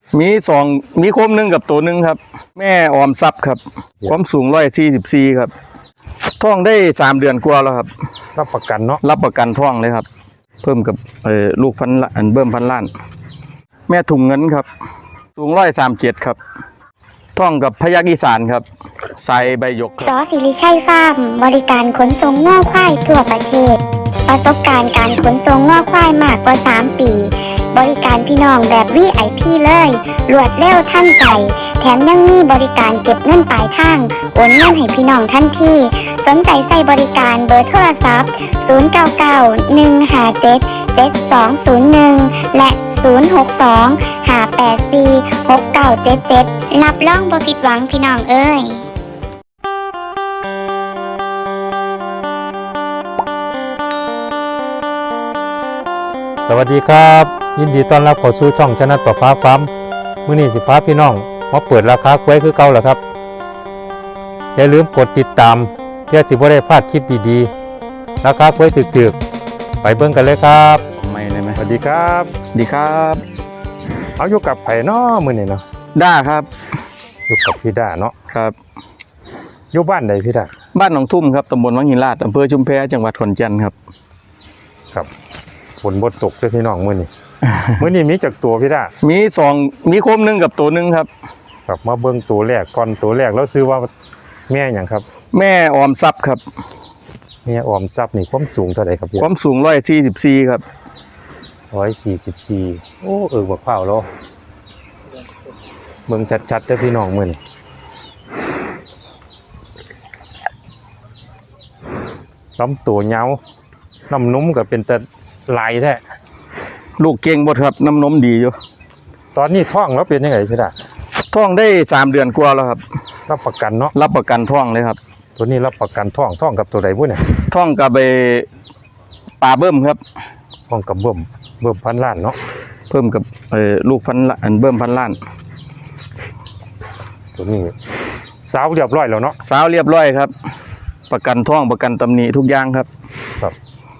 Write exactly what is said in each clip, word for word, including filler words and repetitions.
มีสองมีโคมหนึ่งกับตัวหนึ่งครับแม่ออมทรัพย์ครับความสูงร้อยสี่สิบสี่ครับท้องได้สามเดือนกว่าแล้วครับรับประกันเนาะรับประกันท้องเลยครับเพิ่มกับเอ่อลูกพันอันเบิ่มพันล้านแม่ถุงเงินครับสูงร้อยสามเจ็ดครับท้องกับพยัคฆ์อีสานครับใส่ใบหยกสอสิริชัยฟาร์มบริการขนส่งง่อควายทั่วประเทศประสบการณ์การขนส่งง่อควายมากกว่าสามปีบริการพี่น้องแบบ วี ไอ พี เลยรวดเร็วทันใจแถมยังมีบริการเก็บเงินปลายทางโอนเงินให้พี่น้องทันทีสนใจใส่บริการเบอร์โทรศัพท์ศูนย์ เก้า เก้า หนึ่ง ห้า เจ็ด เจ็ด สอง ศูนย์ หนึ่งและศูนย์ หก สอง ห้า แปด สี่ หก เก้า เจ็ด เจ็ดรับรองบ่ผิดหวังพี่น้องเอ้ยสวัสดีครับยินดีต้อนรับเข้าสู่ช่องชนะต่อฟ้าฟ้ามื้อนี้สิฟ้าพี่น้องมาเปิดราคากล้วยคือเก่าแล้วครับอย่าลืมกดติดตามเพื่อสิบ่ได้พลาดคลิปดีๆราคากล้วยถึกๆไปเบิ่งกันเลยครับไม่ได้ไหมสวัสดีครับดีครับเอาอยู่กับไผเนาะมื้อนี้เนาะด้าครับอยู่กับพี่ด้าเนาะครับอยู่บ้านใดพี่ด้าบ้านหนองทุ่มครับตำบลวังหินลาดอำเภอชุมแพจังหวัดขอนแก่นครับครับฝนบ่ตกด้วยพี่น้องมื้อนี้ มื้อนี้มีจักตัวพี่ด้ามีสองมีโคมหนึ่งกับตัวหนึ่งครับครับมาเบิ่งตัวแรกก่อนตัวแรกแล้วซื้อว่าแม่หยังครับแม่ออมทรัพย์ครับแม่ออมทรัพย์นี่ความสูงเท่าใดครับพี่ความสูงร้อยสี่สิบสี่ครับร้อยสี่สิบสี่โอ้เออบักพร้าวแล้วเบิ่งชัดๆเด้อพี่น้องมื้อนี้ลำตัวยาวน้ำนุ่มก็เป็นแต่ลายแท้ลูกเก่งหมดครับน้ำนมดีอยู่ตอนนี้ท้องแล้วเป็นยังไงพี่ดาท้องได้สามเดือนกว่าแล้วครับรับประกันเนาะรับประกันท้องเลยครับตัวนี้รับประกันท้องท้องกับตัวใดบุ้เนี่ยท้องกับไปปลาเบิ่มครับท้องกับเบิ่มเบิ่มพันล้านเนาะเพิ่มกับเอ่อลูกพันอันเบิ่มพันล้านตัวนี้สาวเรียบร้อยแล้วเนาะสาวเรียบร้อยครับประกันท้องประกันตำหนิทุกอย่างครับครับ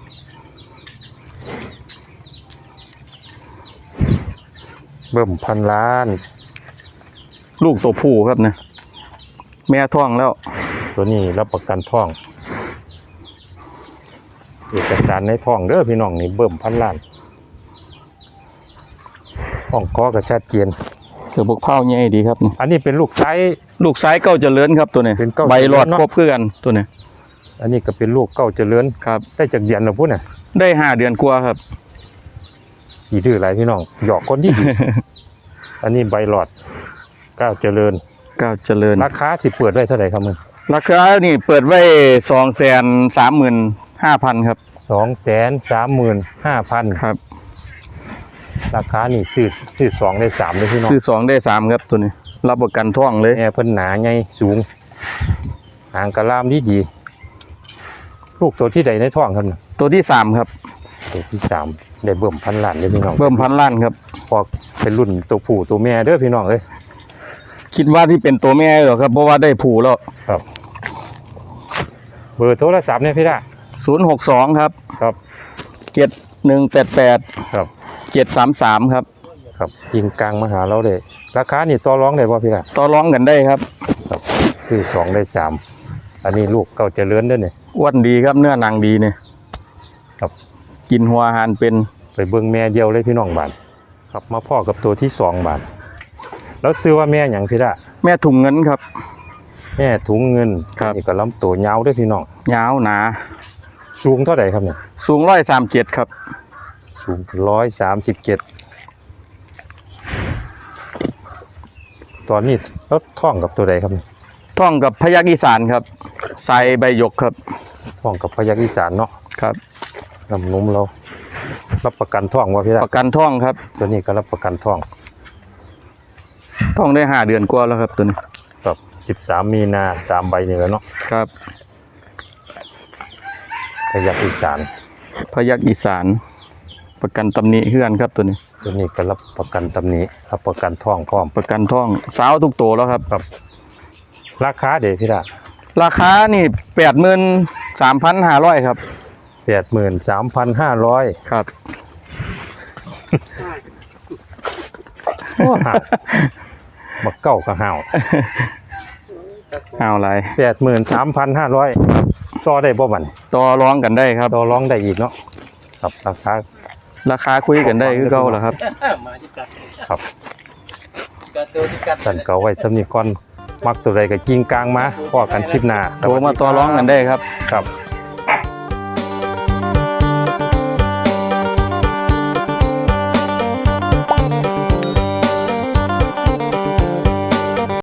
เบิ่มพันล้านลูกตัวผู้ครับนะแม่ท้องแล้วตัวนี้รับประกันท้องเอกสารในท้องเด้อพี่น้องนี่เบิ่มพันล้านท้องก้อกระชัดเจียนเกือบบกเผาใหญ่ดีครับอันนี้เป็นลูกไซส์ลูกไซส์เก้าเจริญครับตัวนี้ใบหลอดครบเพื่อกันตัวนี้อันนี้ก็เป็นลูกเก้าเจริญครับได้จากเย็นหรือพุ่นน่ะได้ห้าเดือนกว่าครับสีดื้อหลายพี่น้องหยอกคนที่ดี อันนี้ใบหลอดเก้าเจริญเก้าเจริญราคาสิเปิดไว้เท่าไหร่ครับมึงราคานี่เปิดไว้สองแสนสามหมื่นห้าพันครับสองแสนสามหมื่นห้าพันครับราคานี่ซื้อซื้อสองได้สามเลยพี่น้องซื้อสองได้สามครับตัวนี้รับประกันท้องเลยแม่เพิ่นหนาใหญ่สูงหางกระลามดีดีลูกตัวที่ใดในท้องครับตัวที่สามครับตัวที่สามได้เบิ่มพันล้านเลยพี่น้องเบิ่มพันล้านครับพอเป็นรุ่นตัวผู้ตัวแม่เด้อพี่น้องเอ้ยคิดว่าที่เป็นตัวแม่หรอครับเพราะว่าได้ผู้แล้วครับเบอร์โทรศัพท์เนี่ยพี่ด้าศูนย์หกสองครับครับเจ็ดหนึ่งแปดแปดครับเจ็ดสามสามครับครับจริงกลางมาหาเราเลยราคานี่ต่อรองได้ป่ะพี่ด้าต่อรองกันได้ครับครับซื้อสองได้สามอันนี้ลูกเก่าเจริญด้วยเนี่ยอ้วนดีครับเนื้อหนังดีเนี่ยครับกินหัวอาหารเป็นไปเบิ่งแม่เดียวเลยพี่น้องบาทครับมาพ่อกับตัวที่สองบาทแล้วซื้อว่าแม่อย่างพี่ด้าแม่ถุงเงินครับแม่ถุงเงินครับนี่ก็ลำตัวยาวด้วยพี่น้องยาวหนาสูงเท่าไหร่ครับเนี่ยสูงร้อยสามเจ็ดครับสูงร้อยสามสิบเจ็ดตอนนี้แล้วท่องกับตัวใดครับท่องกับพยัคฆ์อีสานครับใส่ใบหยกครับท่องกับพยัคฆ์อีสานเนาะครับน้ำนุ่มเรารับประกันท่องว่าพี่ด้าประกันท่องครับตัวนี้ก็รับประกันท่องท่องได้ห้าเดือนกว่าแล้วครับตัวนี้ครับสิบสามมีนาตามใบนี่แล้วเนาะครับพยัคฆ์อีสานพยัคฆ์อีสานประกันตำหนิเฮือนครับตัวนี้ตัวนี้ก็รับประกันตำหนิรับประกันท่องพร้อมประกันท่องสาวทุกตัวแล้วครับครับราคาเดี๋ยวพี่ด้าราคานี่แปดหมื่นสามพันห้าร้อยครับแปดหมื่นสามพันห้าร้อยครับโอ้ห่าวบักเก้าก็ห่าวเอาอะไรแปดหมื่นสามพันห้าร้อยต่อได้บ่บันต่อร้องกันได้ครับต่อรองได้อีกเนาะครับราคาราคาคุยกันได้คือเก่าเหรอครับครับสั่นเก่าไว้สำนีก่อนมักตัวใดก็กิ้งกลางมาพอกันคลิปหน้าโทรมาต่อร้องกันได้ครับครับ